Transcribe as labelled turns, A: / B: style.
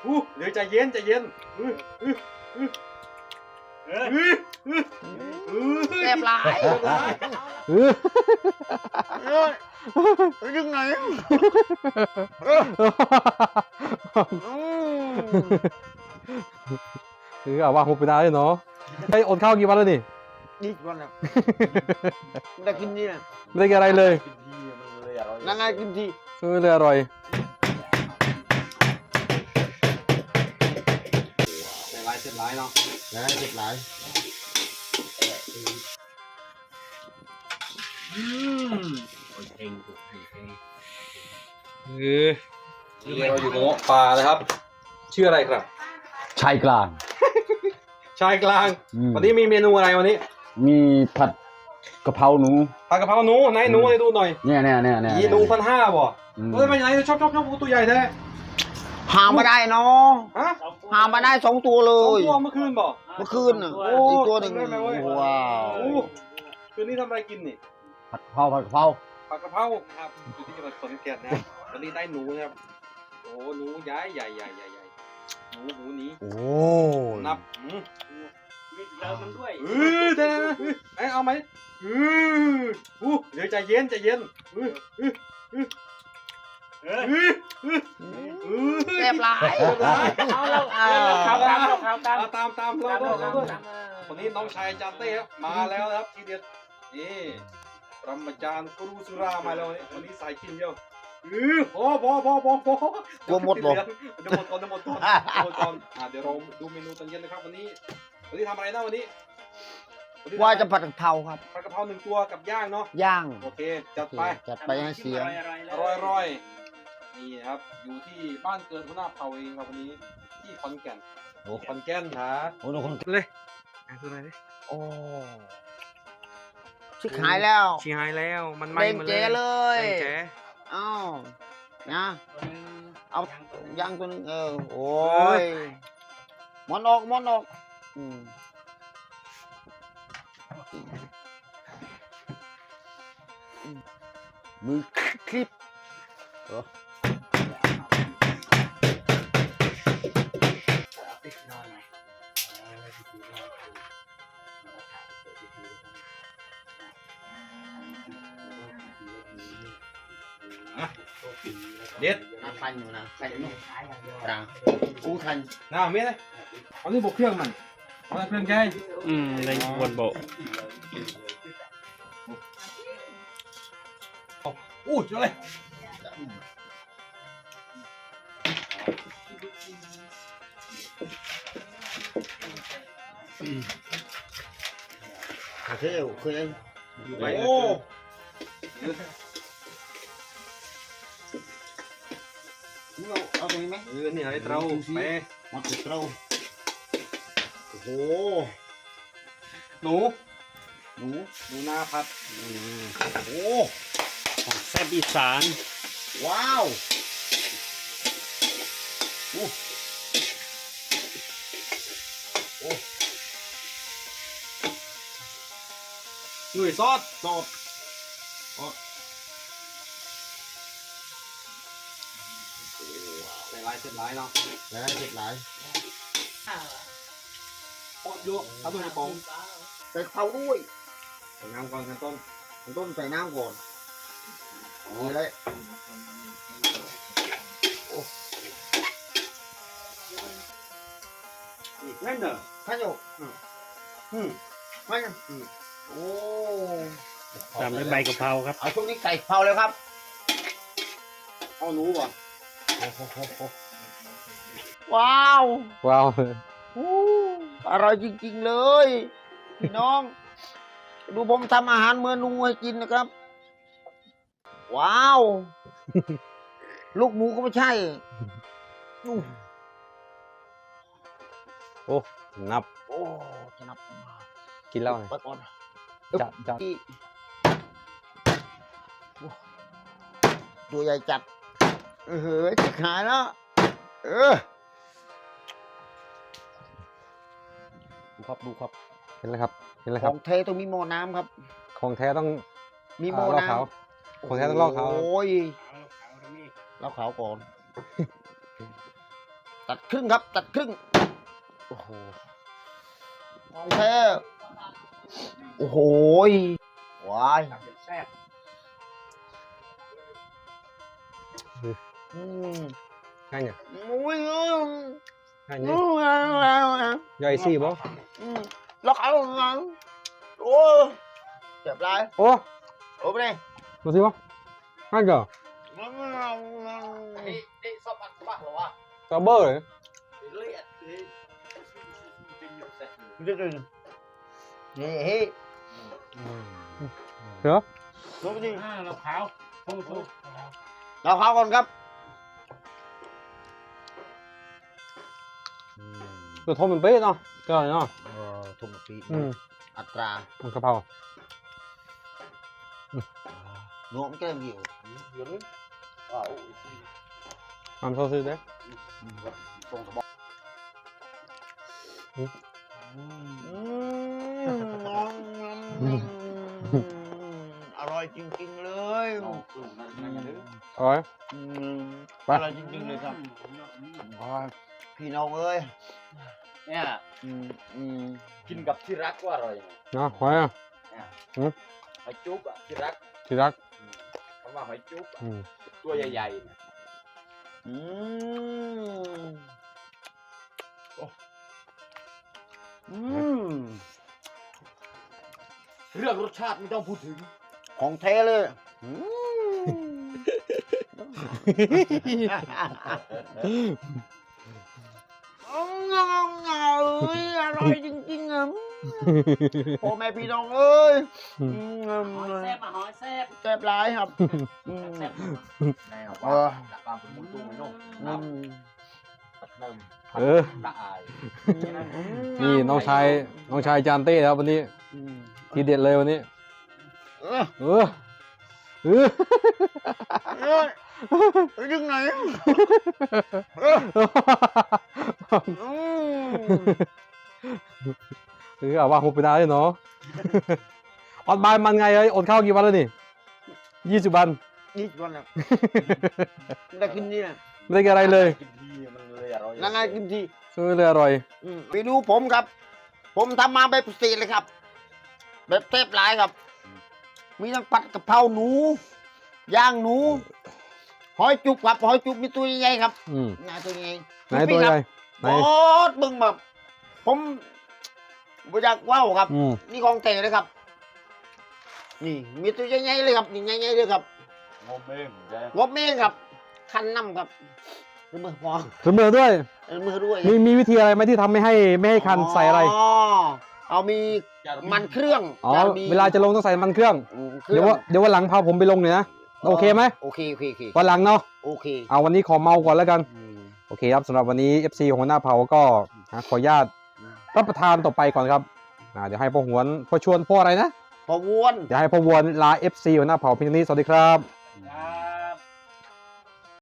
A: เดี๋ยวใจเย็นใจเย็น
B: แซ่บหลาย ยังไง
C: เอาว่าหุบไปได้เลยเนาะไอ้อดข้าวกี่วันแล้วนี่
B: นี่วันแล้วได้กินนี่นะ
C: ไม่ได้กินอะไรเลย
B: นั่งไงกินที
C: ไม่เลยอร่อย
A: เสร็จหลายเนาะ
B: ได้เจ็บหลาย
C: เราอยู่ตรงปลานะครับชื่ออะไรครับ
B: ชายกลาง
C: ชายกลางวันนี้มีเมนูอะไรวันนี้
B: มีผัดกะเพราหนู
C: ผัดกะเพราหนูไหนหนูให้ดูหน่อย
B: เนี่ย
C: ยีหนู1,500บ่เฮ้ยไปไหนชอบตัวใหญ่แท้
B: หามาได้เนาะ
C: ฮะ
B: หามาได้2 ตัวเล
C: สอง
B: ย
C: ตัวเมื่อคืนบ่
B: เมื่อคืนน่ะ
C: โอ้
B: อีกตัวหนึ่ง
C: ได้ไหมเว้ย
B: ว้าว
C: โอ้คืนนี้ทำอะไรกินนี่
B: ผัดกะเพราผัดกะเพรา
C: ผัดกะเพราครับอยู่ที่จังหวัดขอนแก่นนะครับวันนี้ได้หนูนะครับโอ้หนูใหญ่หนูนี้
B: โอ้
C: นับ
A: มีเติมมันด้วย
C: เดี๋ยวไอ้เอาไหมเดี๋ยวใจเย็น
B: แซ่บหลาย
A: เอาเราข่าวตามเราข่าวตาม
C: ตามเราด้วยวันนี้น้องชายจานเต้ครับมาแล้วนะครับทีเด็ดนี่ปรมาจารย์กรูสุรามาแล้ววันนี้สายกินเดียวพอก
B: ลัวหมดบ่
C: เดี๋ยวหมดก่อนเดี๋ยวเราดูเมนูตอนเย็นนะครับวันนี้ทำอะไรนะวันนี้
B: ว่าจะผัดกะเพราครับ
C: ผัดกะเพรา1 ตัวกับย่างเนาะ
B: ย่าง
C: โอเคจัดไป
B: จัดไปให้เสียง
C: อร่อยนี่ครับอยู่ที่บ้านเกิดหัวหน้าเผ่าเองครับวันนี้ที่ขอนแก่นขอนแก่นฮะ
B: โอ้โหคน
C: เลยตัวไหนดิ
B: โอ้ชิขายแล้ว
C: ชี้หายแล้วมันไหม้
B: เล่น
C: มา
B: เจ๊เลย
C: เล่นเจ๊
B: อ้าวนะเอาย่างตัวนึงโอ้ยมอนออกมือคลิป
C: เด็ด
B: ทันอยู่นะทันอยู่นะอู้ทัน
C: น้าเมียเลยเอาที่บกเครื่องมันเอาเครื่องแกง
A: ในบนโบ
C: อู้เจอเลย
B: เคย
C: อยู่ไป
B: โอ้เอาตรงนี้ไหม
C: นี่ให้เราไป
B: มัดเราโอ้โห
C: หนู
B: หนู
C: นาผัด
B: โอ้
A: ของแซ่บอีสาน
B: ว้าวโอ้โอ้
C: หนุ่ยซอส
B: สด
C: ใส่ลายเสร็จลายเนาะ
B: แล้วเจ็บหลาย
C: ปอดเยอะเอาตัวในกล่อง
B: ใส่เผาด้วย
C: ใส่น้ำก่อนขั้นต้น
B: ต้มใส่น้ำก่อนนี่เลย
C: แม่นเด้อ
B: ข้าวโยกไม่กันโอ้
A: ตามด้วยใบกะเพราครับ
B: เอาช่วงนี้ใส่เผาเลยครับ
C: เอาหนูก่อน
B: ว้าว
C: ว้าว
B: อร่อยจริงๆเลยพี่น้อง ดูผมทำอาหารเมนูให้กินนะครับ ว้าว ลูกหมูก็ไม่ใช่
C: โอ้นับ
B: โอ้จะนับ
C: กินเหล้าไง
B: ไปก่อน
C: จัด
B: ที่ตัวใหญ่จัดจะขายแล้ว
C: ดูครับเห็นแล้วครับ
B: ของเทต้องมีหม้อน้ำครับ
C: ของแท้ต้อง
B: มีหม้อ
C: ลอก
B: น้
C: ขาว
B: ำ
C: ของแท้ต้องลอกขาว
B: โอ้ยลอกขาวก่อนตัดครึ่งครับ ตัดครึ่งโอ้โหของแท้โอ้โหว้าย
A: แซ่บ
D: Hai nhỉ?
B: อุ้ย
D: Hai nhỉ? Do ai xì bố?
B: ล็อกเอาโอ้เจ็บไร
D: Ô,
B: โอ้ไปเลย
D: có gì không? Hai giờ?
B: นี่ซอบอันบักเหรอวะ
D: Có bơ đấy.
B: เลียดนี่เฮ้ย
D: Được.
B: ลงไปดิ
A: เราขาวโอ้โห
B: เราเข้าก่อนครับ
D: Được thôi mình bế nó. Cái này nó.
B: ทุ่มปี
D: Ừ,
B: อัตรา
D: mình cà phao.
B: รวมแก้มเดียว
D: Làm sao xí đấy.
B: อร่อยจริงๆเลย
D: Rồi.
B: อร่อยจริงๆเลยครับพี่น้องเอ้ย
E: เนี่ย กินกับที่รักก็อร่อย
D: Đó, khoái à.
E: หอยจุ๊บอ่ะที่รัก
D: Thì rắc.
E: คำว่าหอยจุ๊บอะ
D: Ừ.
E: ตัวใหญ่ๆนะ
B: อืมอืม
E: เรื่องรสชาติไม่ต้องพูดถึง
B: ของแท้เลยอืมอร่อยจริงๆอ่ะพ่อแม่พี่น้องเอ้ย
A: หอยแซ่บมาหอยแซ่บ
B: แซ่บร้ายครับ
A: แซ่บ
E: แน่
B: เอ
E: ว่า
B: อ
E: ตามผมมุ้งตุ้งไม่นุ่ม
B: อื
E: น้ำ
B: ม
E: ตัดเนิ่ม
D: Ừ.
E: ละอาย
D: นี่น้องชายจานเต้ครับวันนี้
B: อืม
D: ทีเด็ดเลยวันนี้
B: เออ
D: เออเออ
B: เอ้ยยังไงเอออืม
D: เอาว่าหุบไปได้เลยเนาะ อดบายมันไงเอ้ยอดข้าวกี่วันแล้วนี่20 วัน
B: นี่วันละได้กินนี่นะ
D: ไม่ได้กินอะไรเลย
E: กินทีมันเลยอร่อย
B: นานๆกินที
D: เลยอร่อย
B: ไปดูผมครับ ผมทำมาแบบพิเศษเลยครับ แบบเทปหลายครับ มีทั้งผัดกะเพราหนู ย่างหนู หอยจุกครับ หอยจุกมีตัวใหญ่ๆครับ
D: อืม
B: หน้าตัวใหญ่
D: ไหนตัวใหญ่ไหน
B: โอ้บึงแบบ ผมบ่อยากว่าวครับ
D: อืม
B: นี่ของแท้เลยครับ นี่มีตัวใหญ่ๆเลยครับ นี่ใหญ่ๆเลยครับ
E: งมเองใช่
B: งบเมงครับ คันน้ำครับมือพอ
D: เสมอด้วย
B: มือด้วย
D: มีวิธีอะไรไหมที่ทำไม่ให้คันใส่อะไร
B: เอามีมันเครื่อง
D: อ๋อ
B: จะมี
D: เวลาจะลงต้องใส่มันเครื่อง
B: เค
D: เดี๋
B: รื่
D: ยว
B: อง
D: ว่าเดี๋ยววันหลังพาผมไปลงเนี่ยนะ โอเคไหม
B: โอเคโอเคโอเค
D: วันหลังเนาะ
B: โอเค
D: เอาวันนี้ขอเมาก่อนแล้วกัน โอเคครับสำหรับวันนี้ FC ของหัวหน้าเผาก็ขออนุญาตรับประทานต่อไปก่อนครับเดี๋ยวให้พ่อหวนพ่อชวนพ่ออะไรนะ
B: พอวน
D: เดี๋ยวให้พ่อวนลา FC หัวหน้าเผาเพียงนี้สวัสดีครับ
A: ครับ